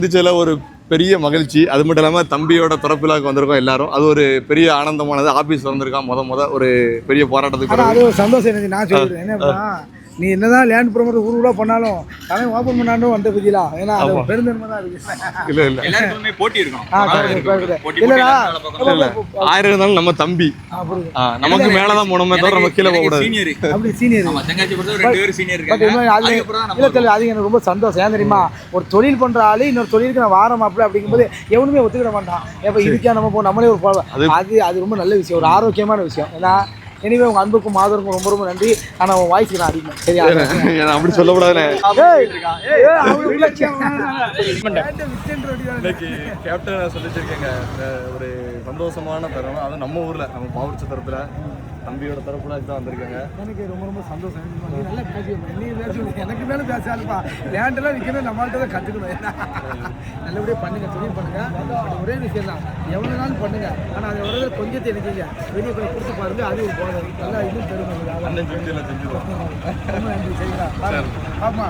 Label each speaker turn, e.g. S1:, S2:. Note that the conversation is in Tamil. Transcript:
S1: இதுல ஒரு பெரிய மகிழ்ச்சி. அது மட்டும் இல்லாமல் தம்பியோட திறப்பிலாக்கு வந்திருக்கோம் எல்லாரும். அது ஒரு பெரிய ஆனந்தமானது. ஆபீஸ் வந்திருக்கான் முத ஒரு பெரிய போராட்டத்துக்கு.
S2: அது ஒரு சந்தோஷம். நான் சொல்றேன் என்ன, நீ என்னதான் லேண்ட் ப்ரோமோட்டர் ஊருக்குள்ள பண்ணாலும் அவன் ஓப்பன் பண்ணாலும் வந்த பத்தியா, ஏன்னா அது பெருந்தன்மை தான் இருக்கு.
S1: இல்ல
S3: எல்லாருக்குமே போட்டி இருக்கும்.
S2: இல்லடா,
S1: ஆயிரம் இருந்தாலும் நம்ம தம்பி நமக்கு மேலதான் போனோமே தவிர நம்ம கீழே போக கூடாது.
S2: அப்படி சீனியர் அது எனக்கு ரொம்ப சந்தோஷம். ஏன் தெரியுமா, ஒரு தொழில் பண்ற ஆளு இன்னொரு தொழிலுக்கு நான் வாரம் அப்படி அப்படிங்கும்போது எவனுமே ஒத்துக்கிட மாட்டான். எப்ப இதுக்கே நம்ம போ நம்மளே ஒரு அது ரொம்ப நல்ல விஷயம், ஒரு ஆரோக்கியமான விஷயம். ஏன்னா எனவே உங்க அன்புக்கும் மாதருக்கும் ரொம்ப ரொம்ப நன்றி. ஆனா உன் வாய்ஸ் நான் அதிகம் சரியா
S1: அப்படி சொல்லக்கூடாது. கேப்டன் சொல்லிச்சிருக்கேங்க, ஒரு சந்தோஷமான தருணம். அது நம்ம ஊர்ல நம்ம பாவூர்ச்சி தரப்புல தம்பியோட தரப்புல தான் வந்திருக்காங்க.
S2: எனக்கு ரொம்ப ரொம்ப சந்தோஷம். நல்லா எனக்கு மேலே பேசாதுப்பா, லேண்டெல்லாம் விற்கணும், நம்மள்கிட்ட தான் கற்றுக்கணும். நல்லபடியாக பண்ணுங்க, தொழில் பண்ணுங்க. ஒரே விஷயம் தான், எவ்வளோ நாள் பண்ணுங்க. ஆனால் அதை ஒரு கொஞ்சம் தெரிஞ்சுங்க, வெளியே போய் கொடுத்து பாருங்க. அது ஒரு போனது நல்லா இன்னும் பெருமை.
S1: செஞ்சுருவோம்.
S2: ரொம்ப நன்றி. சரிங்களா? ஆமாம்.